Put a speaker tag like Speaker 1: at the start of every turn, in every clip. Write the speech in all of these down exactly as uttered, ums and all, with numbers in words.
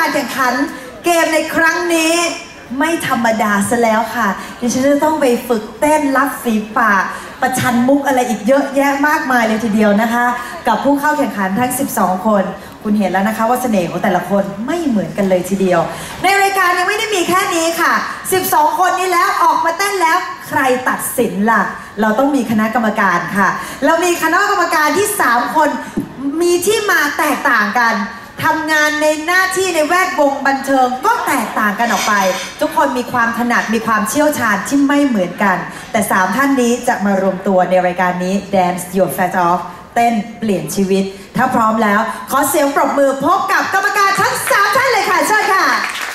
Speaker 1: การแข่งขันเกมในครั้งนี้ไม่ธรรมดาซะแล้วค่ะดิฉันจะต้องไปฝึกเต้นลับฝีปากประชันมุกอะไรอีกเยอะแยะมากมายเลยทีเดียวนะคะกับผู้เข้าแข่งขันทั้งสิบสองคนคุณเห็นแล้วนะคะว่าเสน่ห์ของแต่ละคนไม่เหมือนกันเลยทีเดียวในรายการยังไม่ได้มีแค่นี้ค่ะสิบสองคนนี้แล้วออกมาเต้นแล้วใครตัดสินล่ะเราต้องมีคณะกรรมการค่ะเรามีคณะกรรมการที่สามคนมีที่มาแตกต่างกันทำงานในหน้าที่ในแวดวงบันเทิงก็แตกต่างกันออกไปทุกคนมีความถนัดมีความเชี่ยวชาญที่ไม่เหมือนกันแต่สามท่านนี้จะมารวมตัวในรายการนี้ Dance Your Fat Off เต้นเปลี่ยนชีวิตถ้าพร้อมแล้วขอเสียงปรบมือพบกับกรรมการทั้งสามท่านเลยค่ะเชิญค่ะ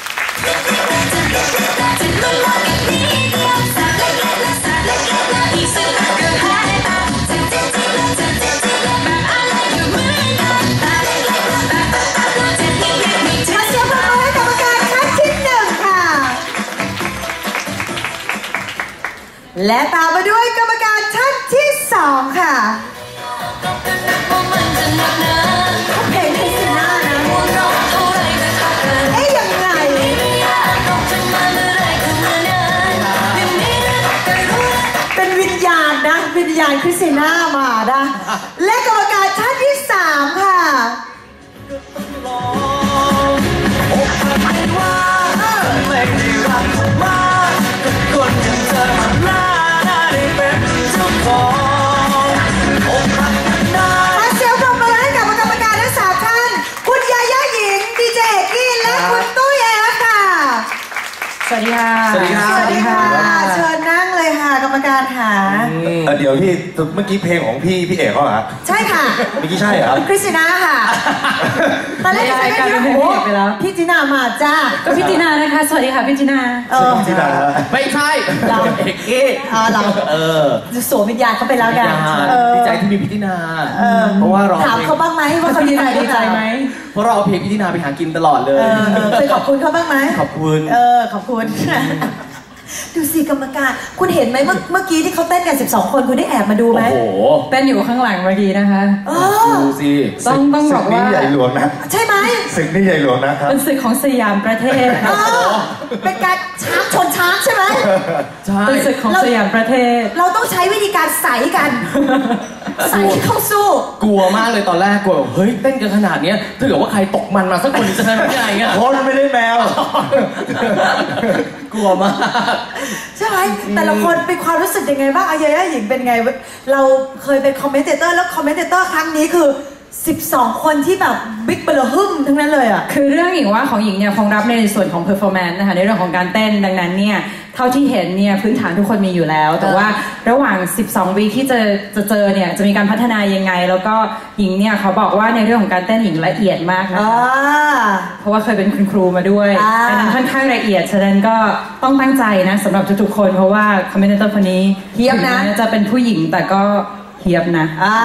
Speaker 1: และตามมาด้วยกรรมการท่านที่สองค่ะเพลงคริสติน่านะเอ๊ยยังไงเป็นวิญญาณนะวิญญาณคริสติน่ามานะและกรรมการท่านที่สามค่ะสวัสดีค่ะสวัสดีค่ะสวัสดีค่ะเชิญนั่งเลยค่ะกรรมการค่ะ
Speaker 2: เดี๋ยวพี่เมื่อกี้เพลงของพี่พี่เอกเขาเหรอ
Speaker 1: ใช่ค่ะ
Speaker 2: เมื่อกี้ใช่เหรอ
Speaker 1: คริสติน่าค่ะตอนแรกใช่กันโอ้พี่จีน่ามาจ้า
Speaker 3: ก็พี่จีน่านะคะสวัสดีค่ะพี่จีน่า
Speaker 2: เออจีน่า
Speaker 4: ไม่ใช่เราเอกเอก
Speaker 1: อ๋อเรา
Speaker 4: เออ
Speaker 1: สวมวิญญาณเขาไปแล้วกัน
Speaker 4: ดีใจที่มีพี่จีน่าเพราะว่าเรา
Speaker 1: ถามเขาบ้างไหมว่าเขาดีใจดีใจไหม
Speaker 4: เพราะเราเอาเพลงพี่จีน่าไปหากินตลอดเลย
Speaker 1: เคยขอบคุณเขาบ้างไหม
Speaker 4: ขอบคุณ
Speaker 1: เออขอบคุณดูสิกรรมการคุณเห็นไหมเมื่อเมื่อกี้ที่เขาเต้นกันสิบสองคนคุณได้แอบมาดูไหม
Speaker 4: โอ้โห
Speaker 3: เต้นอยู่ข้างหลังเมื่อกี้นะคะ
Speaker 4: ดูสิ
Speaker 3: ต้องต้องบอกว่า
Speaker 2: ใหญ่หลวงนะ
Speaker 1: ใช่ไหม
Speaker 2: ศึกนี่ใหญ่หลวงนะครับ
Speaker 3: เป็นศึกของสยามประเทศ
Speaker 1: เป็นการช้างชนช้างใช่ไหม
Speaker 3: ใช่เป็นศึกของสยามประเทศ
Speaker 1: เราต้องใช้วิธีการใส่กันใส่เข้าสู้
Speaker 4: กลัวมากเลยตอนแรกกลัวเฮ้ยเต้นกันขนาดนี้ถ้าเกิดว่าใครตกมันมาสักคนจะทำยังไงเงี้ย
Speaker 2: เพราะมันไม่ได้แมว
Speaker 4: กลัวมาก
Speaker 1: ใช่ไหมแต่ละคนเป็นความรู้สึกยังไงบ้างอายาหญิงเป็นไงเราเคยเป็นคอมเมนเตเตอร์แล้วคอมเมนเตเตอร์ครั้งนี้คือสิบสองคนที่แบบบิ๊กเบลอหึ่มทั้งนั้นเลยอ่ะ
Speaker 3: คือเรื่องหญิงว่าของหญิงเนี่ยคงรับในส่วนของ performance นะคะในเรื่องของการเต้นดังนั้นเนี่ยเท่าที่เห็นเนี่ยพื้นฐานทุกคนมีอยู่แล้วแต่ว่าระหว่างสิบสองวีคที่จะจะเจอเนี่ยจะมีการพัฒนายังไงแล้วก็หญิงเนี่ยเขาบอกว่าในเรื่องของการเต้นหญิงละเอียดมากนะคะเพราะว่าเคยเป็นคุณครูมาด้วยดังนั้นค่อนข้างละเอียดฉะนั้นก็ต้องตั้งใจนะสำหรับทุกๆคนเพราะว่าคอมเมนเตอร์คนนี้
Speaker 1: เทียบนะ
Speaker 3: จะเป็นผู้หญิงแต่ก็เทียบนะ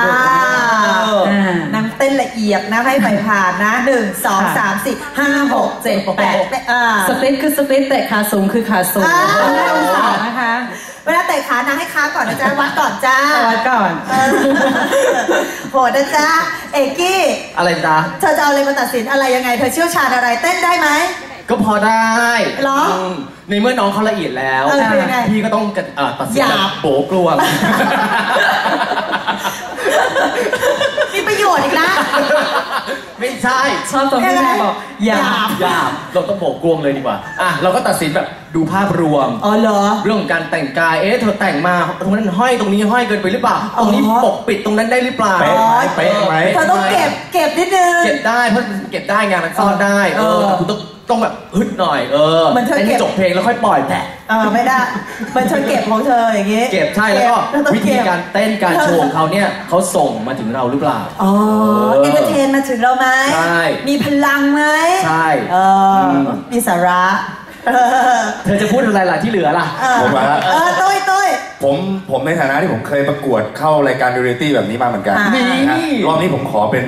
Speaker 1: นางเต้นละเอียดนะให้ไปผ่านนะหนึ่งสองสามสี่ห้าหกเจ็ดแปด
Speaker 3: สปริตคือสปริตเตะขาสูงคือขาสูงนะคะ
Speaker 1: เวลาเตะขานางให้ค้างก่อนนะจ๊ะวัดก่อนจ้า
Speaker 3: วัดก่อน
Speaker 1: โหดนะจ๊ะเอกกี้
Speaker 4: อะไรจ๊ะ
Speaker 1: เธอจะเอาอะไรมาตัดสินอะไรยังไงเธอเชี่ยวชาญอะไรเต้นได้ไหม
Speaker 4: ก็พอได้
Speaker 1: หรอ
Speaker 4: ในเมื่อน้องเขาละเอียดแล้วพี่ก็ต้องตัดสินแบบโป๊กลัว
Speaker 1: มีประโยชน์อีกนะ
Speaker 4: ไม่ใช่
Speaker 3: ชอบตรงที่แม่บอกหยาบ
Speaker 4: หยาบเราต้องโบกกลวงเลยดีกว่าอ่ะเราก็ตัดสินแบบดูภาพรวม
Speaker 1: อ๋อเหรอ
Speaker 4: เรื่องของการแต่งกายเอ๊ะเธอแต่งมาตรงนั้นห้อยตรงนี้ห้อยเกินไปหรือเปล่าตรงนี้ปกปิดตรงนั้นได้หรือเปล่า
Speaker 2: เป๊ะไหมเป๊ะไหม
Speaker 1: เธอต้องเก็บเก็บนิดนึง
Speaker 4: เก็บได้เพราะเก็บได้งานมันซ่อนได้เออแต่คุณต้องต้องแบบฮึดหน่อยเออ
Speaker 1: มันเธอเก็บ
Speaker 4: จบเพลงแล้วค่อยปล่อยแผล
Speaker 1: เออไม่ได้มันเธอเก็บของเธออย่างงี้
Speaker 4: เก็บใช่แล้วก็วิธีการเต้นการโชว์เขาเนี่ยเขาส่งมาถึงเราหรือเปล่า
Speaker 1: อ๋อเอนเตอร์เทนมาถึงเราไหม
Speaker 4: ใช่
Speaker 1: มีพลังไหม
Speaker 4: ใช่
Speaker 1: เออมีสาระ
Speaker 4: เธอจะพูดอะไรล่ะที่เหลือล่ะ
Speaker 2: ผมว่า
Speaker 1: เออตุ้ยตุ้ย
Speaker 2: ผมผมในฐานะที่ผมเคยประกวดเข้ารายการเรียลลิตี้แบบนี้มาเหมือนกันรอบนี้ผมขอเป็น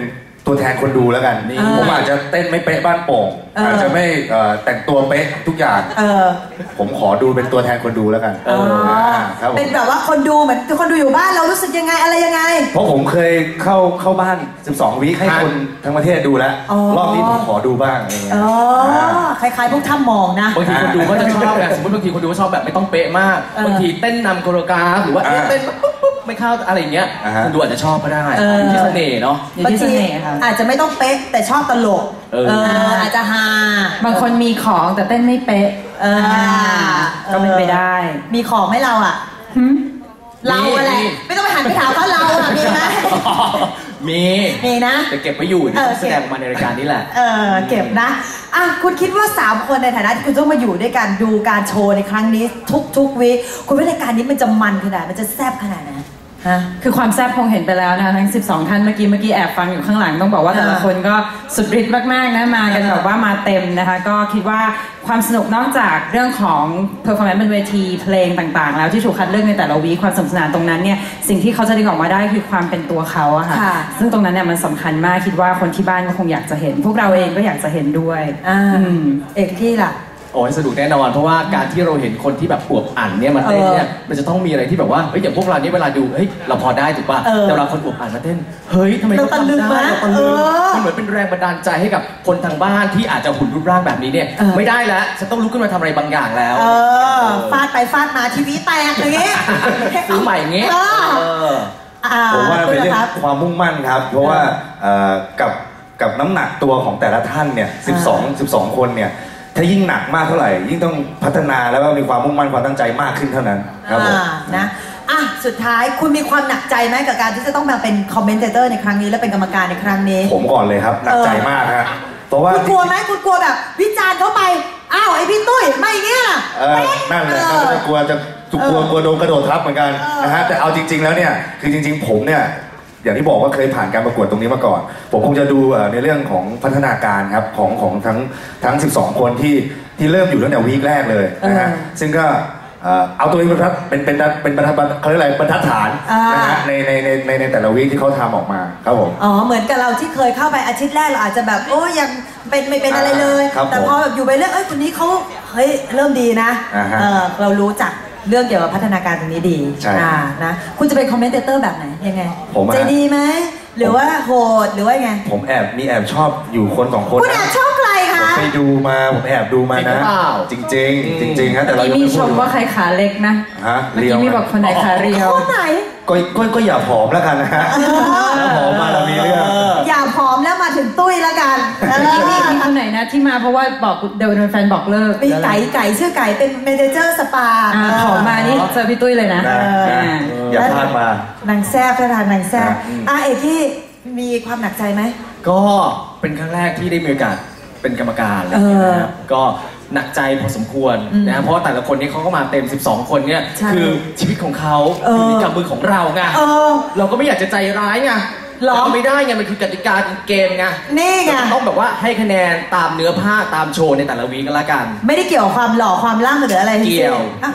Speaker 2: ตัวแทนคนดูแล้วกัน
Speaker 1: นี่
Speaker 2: ผมอาจจะเต้นไม่เป๊ะบ้านโป่ง
Speaker 1: เอออ
Speaker 2: อาจจะไม่เอ่อแต่งตัวเป๊ะทุกอย่าง
Speaker 1: เออ
Speaker 2: ผมขอดูเป็นตัวแทนคนดูแล้วกัน
Speaker 1: อ๋อ
Speaker 2: ครับผม
Speaker 1: เป็นแบบว่าคนดูเหมือนคนดูอยู่บ้านเรารู้สึกยังไงอะไรยังไง
Speaker 2: เพราะผมเคยเข้าเข้าบ้าน สิบสอง วีคให้คนทั้งประเทศดูแล้ว
Speaker 1: อ๋อ
Speaker 2: รอบนี้ผมขอดูบ้างอะไรเงี้ย
Speaker 1: อ๋อคล้ายๆพวกถ้ำมองนะ
Speaker 4: บางทีคนดูก็จะชอบแบบสมมติบางทีคนดูก็ชอบแบบไม่ต้องเป๊ะมาก
Speaker 1: เออ
Speaker 4: บางทีเต้นนำโคโรกราฟหรือว่าเอ๊ะ
Speaker 2: อ่า
Speaker 4: เต้นปุ๊บปุ๊บไม่เข้าอะไรอย่างเงี้ย
Speaker 2: อ่าฮะ
Speaker 4: คนดูอาจจะชอบก็ได้
Speaker 1: เออ
Speaker 4: อยู่ที่เสน่ห์เนาะ
Speaker 3: อยู่
Speaker 1: บาง
Speaker 3: ที่เส
Speaker 1: ที
Speaker 3: น่ห์ค่ะ
Speaker 1: อาจจะไม่ต้องเป๊ะแต่ชอบตลก
Speaker 4: เออ
Speaker 1: เอออาจจะฮา
Speaker 3: บางคนมีของแต่เต้นไม่เป๊ะ
Speaker 1: เออ
Speaker 3: ก็เป็นไปได้
Speaker 1: มีของให้เราอ่ะ
Speaker 3: หึ
Speaker 1: เราอะไร
Speaker 4: มี
Speaker 1: ไม่ต้องไปหันไปถามเขาเราอ่ะมีไหม
Speaker 4: มี
Speaker 1: มีนะ
Speaker 4: แต่เก็บไว้อยู่
Speaker 1: เออ
Speaker 4: แสดงออกมาในรายการนี้แหละ
Speaker 1: เออเก็บนะอ่ะคุณคิดว่าสามคนในฐานะที่คุณต้องมาอยู่ด้วยกันดูการโชว์ในครั้งนี้ ทุกทุกวีคคุณว่ารายการนี้มันจะมันขนาดมันจะแซ่บขนาดไหนฮะ
Speaker 3: คือความแซ่บคงเห็นไปแล้วนะคะทั้ง สิบสอง ท่านเมื่อกี้เมื่อกี้แอบฟังอยู่ข้างหลังต้องบอกว่าแต่ละ
Speaker 1: อ่า
Speaker 3: คนก็สุดฤทธิ์มากๆนะมากัน
Speaker 1: อ่า
Speaker 3: แบบว่ามาเต็มนะคะ ก็คิดว่าความสนุกนอกจากเรื่องของ performance บนเวทีเพลงต่างๆ แล้วที่ถูกคัดเลือกในแต่ละวีคความสนุกสนานตรงนั้นเนี่ยสิ่งที่เขาจะดึงออกมาได้คือความเป็นตัวเขาอะค่ะ
Speaker 1: ค่ะ
Speaker 3: ซึ่งตรงนั้นเนี่ยมันสำคัญมากคิดว่าคนที่บ้านก็คงอยากจะเห็น พวกเราเองก็อยากจะเห็นด้วย
Speaker 1: อ่า
Speaker 3: อืม
Speaker 1: เอกที่ล่ะ
Speaker 4: โอ้ยสนุกแน่นอนเพราะว่าการที่เราเห็นคนที่แบบอวบอั่นเนี่ยมาเต้นเนี่ยมันจะต้องมีอะไรที่แบบว่าเฮ้ยอย่างพวกเรานี่เวลาดูเฮ้ยเราพอได้ถูกป่ะ
Speaker 1: เออ
Speaker 4: แต่เวลาคนอวบอั่นมาเต้นเฮ้ยทำไมเขา
Speaker 1: เราตะลึง
Speaker 4: ทำได้
Speaker 1: นะ
Speaker 4: เราตะลึง
Speaker 1: เออ
Speaker 4: มันเหมือนเป็นแรงบันดาลใจให้กับคนทางบ้านที่อาจจะหุ่นรูปร่างแบบนี้เนี่ย
Speaker 1: เออ
Speaker 4: ไม่ได้แล้วฉันต้องลุกขึ้นมาทำอะไรบางอย่างแล้ว
Speaker 1: เออฟาดไปฟาดมาทีวีแตกอย่างงี้
Speaker 4: ซื้อใหม่อย่างงี้
Speaker 1: เออ
Speaker 4: เออ
Speaker 1: อ่า
Speaker 2: ผมว่าเป็นเรื่อ
Speaker 1: ค
Speaker 2: ง
Speaker 1: รับ
Speaker 2: ความมุ่งมั่นครับ เพราะว่าเอ่อกับกับน้ำหนักตัวของแต่ละท่านเนี่ย สิบสอง สิบสอง คนเนี่ยถ้ายิ่งหนักมากเท่าไหร่ ยิ่งต้องพัฒนาแล้วก็มีความมุ่งมั่นความตั้งใจมากขึ้นเท่านั้นครับผม
Speaker 1: อ่านะอ่ะสุดท้ายคุณมีความหนักใจไหมกับการที่จะต้องมาเป็นคอมเมนเตอร์ในครั้งนี้และเป็นกรรมการในครั้งนี้
Speaker 2: ผมก่อนเลยครับหนักใจมากฮะเพราะว่า
Speaker 1: คุณกลัวไหมคุณกลัวแบบ วิจารณ์เขาไปอ้าวไอพี่ตุ้ยไม่เงี้ย
Speaker 2: เออนั่นแหละครับจะกลัวจะกลัวกลัวโดนกระโดดทับเหมือนกัน
Speaker 1: เออ
Speaker 2: นะฮะแต่เอาจริง ๆ แล้วเนี่ยคือจริง ๆ ผมเนี่ยอย่างที่บอกว่าเคยผ่านการประกวดตรงนี้มาก่อน ผมคงจะดูเอ่อในเรื่องของพัฒนาการครับของของทั้งทั้ง สิบสอง คนที่ที่เริ่มอยู่ตั้งแต่วีคแรกเลยนะฮะ
Speaker 1: เออ
Speaker 2: ซึ่งก็เอ่อเอาตัวเองเป็นบรรทัดเป็นเป็นเป็นบรรทัดเขาเรียกอะไรบรรทัดฐาน
Speaker 1: อ่าน
Speaker 2: นะฮะในในในในในแต่ละวีคที่เขาทำออกมาครับผม
Speaker 1: อ๋อเหมือนกับเราที่เคยเข้าไปอาทิตย์แรกเราอาจจะแบบโอ้ยังเป็นไม่เป็นอะไรเลย
Speaker 2: ครับ
Speaker 1: แต่พอแบบอยู่ไปเรื่อยเอ้ยคนนี้เขาเฮ้ยเริ่มดีนะ
Speaker 2: อ่าฮะ
Speaker 1: เออเรารู้จักเรื่องเกี่ยวกับพัฒนาการตรงนี้ดี
Speaker 2: ใช่
Speaker 1: อ่านะคุณจะเป็นคอมเมนเตอร์แบบไหนยังไง
Speaker 2: ผมอะ
Speaker 1: ใจดีไหมหรือว่าโหดหรือว่าไง
Speaker 2: ผมแอบมีแอบชอบอยู่คนสองคน
Speaker 1: คุณแอบชอบใคร
Speaker 2: ผ
Speaker 1: คะ
Speaker 2: มไปดูมาผมแอบดูมา
Speaker 4: จริงหรื
Speaker 2: นะ
Speaker 4: อเปล่า
Speaker 2: จริง ๆ จริงๆฮะแต่เรา
Speaker 3: เมื่อ
Speaker 2: ยัง
Speaker 3: กี้มี
Speaker 2: ไม่
Speaker 3: ช
Speaker 2: พูด
Speaker 3: มว่าใครขาเล็กนะ
Speaker 2: ฮะ
Speaker 3: เมื่อ
Speaker 2: เรียว
Speaker 3: กี้มีบอกคนไหนขาเรียว
Speaker 1: คนไหน
Speaker 2: ก็ก็ก็อย่าผอมแล้วกันนะฮะถ้าผอมมาเรามีเรื่อง
Speaker 1: อย่าผอมแล้วมาถึงตุ้ยแล้วกันเออ
Speaker 3: มีมีคนไหนนะที่มาเพราะว่าบอกเดี๋ยวโดนแฟนบอกเลิก
Speaker 1: มีไก่ไก่ชื่อไก่เป็นเมเนเจอร์สปา
Speaker 3: อ่าขอมานี่เจอพี่ตุ้ยเลยนะ
Speaker 2: นะ
Speaker 3: อ่า
Speaker 2: นะอย่าพลาดมา
Speaker 1: นางแซ่บท่าทางนางแซ่บ
Speaker 2: อืม
Speaker 1: อ่ะเอกที่มีความหนักใจไหม
Speaker 4: ก็เป็นครั้งแรกที่ได้มีโอกาสเป็นกรรมการอะไร
Speaker 1: เอ
Speaker 4: อย่าง
Speaker 1: อ
Speaker 4: เงี้ยนะครับก็หนักใจพอสมควร
Speaker 1: อืม
Speaker 4: นะเพราะว่าแต่ละคนนี่เขาก็มาเต็ม สิบสอง คนเนี่ย
Speaker 1: ใช่
Speaker 4: คือชีวิตของเขา
Speaker 1: เออ
Speaker 4: อยู่ในกำมือของเราไง
Speaker 1: เออ
Speaker 4: เราก็ไม่อยากจะใจร้ายไง
Speaker 1: หรอ
Speaker 4: แต่ก็ไม่ได้ไงมันคือกติกาเกมไง
Speaker 1: นี่ไง
Speaker 4: เราต้องแบบว่าให้คะแนนตามเนื้อผ้าตามโชว์ในแต่ละวีก็แล้วกัน
Speaker 1: ไม่ได้เกี่ยวกับความหล่อความร่างหรืออะไรทั้งสิ้น
Speaker 4: เกี่ยว
Speaker 1: อ่ะ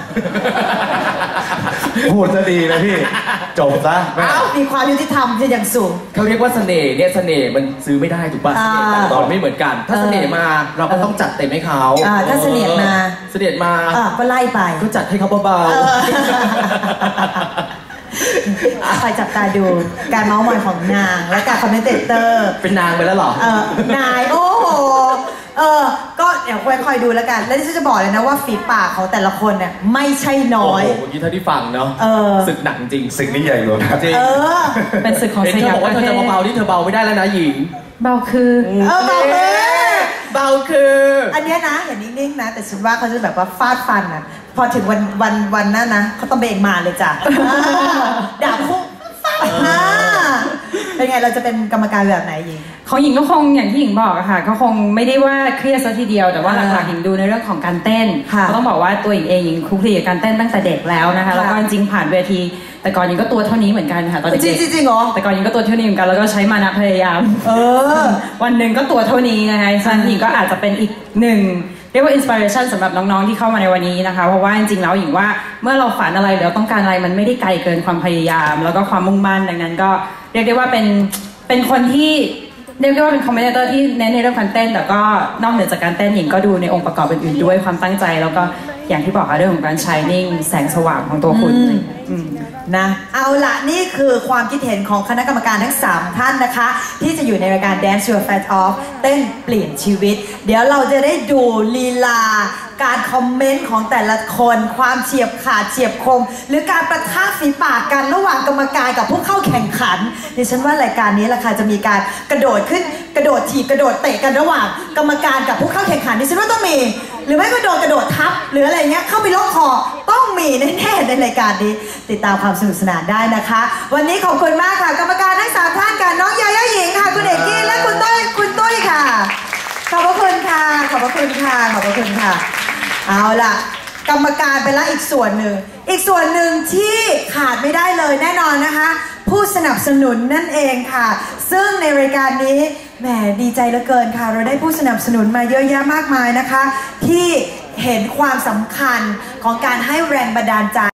Speaker 2: พูดซะดีนะพี่ จบซะแม่
Speaker 1: มีความยุติธรรมที่อย่างสูง
Speaker 4: เขาเรียกว่าเสน่ห์เนี่ยเสน่ห์มันซื้อไม่ได้ถูกป่ะ
Speaker 1: อ่า
Speaker 4: เสน่ห์แต่ละคนไม่เหมือนกัน ถ้าเสน่ห์มาเราก็ต้องจัดเต็มให้เขา
Speaker 1: อ่าถ้าเสน่ห์มา
Speaker 4: เสน่ห์มา
Speaker 1: อ่ะก็ไล่ไป
Speaker 4: ก็จัดให้เขาเบา
Speaker 1: เออ คอยจับตาดูการเมาส์มอยของนางและการคอมเมนเตอร์
Speaker 4: ๆเป็นนางไปแล้วเหรอ
Speaker 1: เออนายโอ้โหเออก็เดี๋ยวคอยดูแล้วกัน แล้วที่ฉันจะบอกเลยนะว่าฝีปากของแต่ละคนเนี่ยไม่ใช่น้อย
Speaker 4: โอ้โหเมื่อกี้เท่าที่ฟังเนาะ
Speaker 1: เออ
Speaker 4: ศึกหนักจริง
Speaker 2: สิ่งนี้ใหญ่หลวงนะ
Speaker 4: จริง
Speaker 1: เออ
Speaker 3: เป็นศึกของ
Speaker 4: เห็น
Speaker 3: ส
Speaker 4: เธอย
Speaker 3: าม
Speaker 4: บอก
Speaker 3: ป
Speaker 4: ว่า
Speaker 3: ระ
Speaker 4: เธอ
Speaker 3: เท
Speaker 4: จะ
Speaker 3: ศ
Speaker 4: เบาๆนี่เธอเบาไม่ได้แล้วนะหญิง
Speaker 3: เบาคือ
Speaker 1: เออเบาเลย
Speaker 4: เบาคือ
Speaker 1: อันเนี้ยนะเห็นนิ่งๆนะ แต่ฉันว่าเขาจะแบบว่าฟาดฟันนะพอถึงวันวันวันนั้นนะเขาต้องเบรกมาเลยจ้ะอ่าด่าพุ่งฟาดอ่าเป็นไงเราจะเป็นกรรมการแบบไหนยิง
Speaker 3: ของหญิงก็คงอย่างที่หญิงบอกอะค่ะก็คงไม่ได้ว่าเครียดซะทีเดียวแต่ว่าหลักๆหญิงดูในเรื่องของการเต้น
Speaker 1: ค่ะ
Speaker 3: ก็ต้องบอกว่าตัวหญิงเองหญิงคลุกคลีกับการเต้นตั้งแต่เด็กแล้วนะคะ
Speaker 1: ค่ะ
Speaker 3: แล้วก็จริงๆผ่านเวที แต่ก่อนหญิงก็ตัวเท่านี้เหมือนกันค่ะตอน
Speaker 1: จริง
Speaker 3: เด็ก
Speaker 1: จริงจริงเหรอ
Speaker 3: ๆแต่ก่อนหญิงก็ตัวเท่านี้เหมือนกันแล้วก็ใช้มานะพยายาม
Speaker 1: เออ
Speaker 3: วันหนึ่งก็ตัวเท่านี้นะคะฉะนั้นหญิงก็อาจจะเป็นอีกหนึ่งเรียกว่าอินสปิเรชันสำหรับน้องๆที่เข้ามาในวันนี้นะคะเพราะว่าจริงๆแล้วหญิงว่าเมื่อเราฝันอะไรหรือเราต้องการอะไรมันไม่ได้ไกลเกินความพยายาม แล้วก็ความมุ่งมั่นดังนั้นก็เรียกได้ว่าเป็นเป็นคนที่เรียกได้ว่าเป็นคอมเมนเตอร์ที่เน้นในเรื่องการเต้นแต่ก็นอกเหนือจากการเต้นหญิงก็ดูในองค์ประกอบอื่นๆด้วยความตั้งใจแล้วก็อย่างที่บอกค่ะเรื่องของการ shining แสงสว่างของตัวคุณอืม
Speaker 1: นะเอาละนี่คือความคิดเห็นของคณะกรรมการทั้งสามท่านนะคะที่จะอยู่ในรายการ Dance Your Fat Off เต้นเปลี่ยนชีวิตเดี๋ยวเราจะได้ดูลีลาการคอมเมนต์ของแต่ละคนความเฉียบขาดเฉียบคมหรือการประทะฝีปากกันระหว่างกรรมการกับผู้เข้าแข่งขันดิฉันว่ารายการนี้ล่ะค่ะจะมีการกระโดดขึ้นกระโดดถีบกระโดดเตะกันระหว่างกรรมการกับผู้เข้าแข่งขันดิฉันว่าต้องมีหรือไม่ก็โดนกระโดดทับหรืออะไรเงี้ยเข้าไปล็อกคอต้องมีแน่ๆในรายการนี้ติดตามความสนุกสนานได้นะคะ วันนี้ขอบคุณมากค่ะกรรมการทั้งสามท่านค่ะน้องยาย่าหญิงค่ะคุณเอกกี้และคุณตุ้ยคุณตุ้ยค่ะขอบพระคุณค่ะขอบพระคุณค่ะขอบพระคุณค่ะเอาล่ะกรรมการไปละอีกส่วนหนึ่งอีกส่วนหนึ่งที่ขาดไม่ได้เลยแน่นอนนะคะผู้สนับสนุนนั่นเองค่ะซึ่งในรายการนี้แหมดีใจเหลือเกินค่ะเราได้ผู้สนับสนุนมาเยอะแยะมากมายนะคะที่เห็นความสำคัญของการให้แรงบันดาลใจ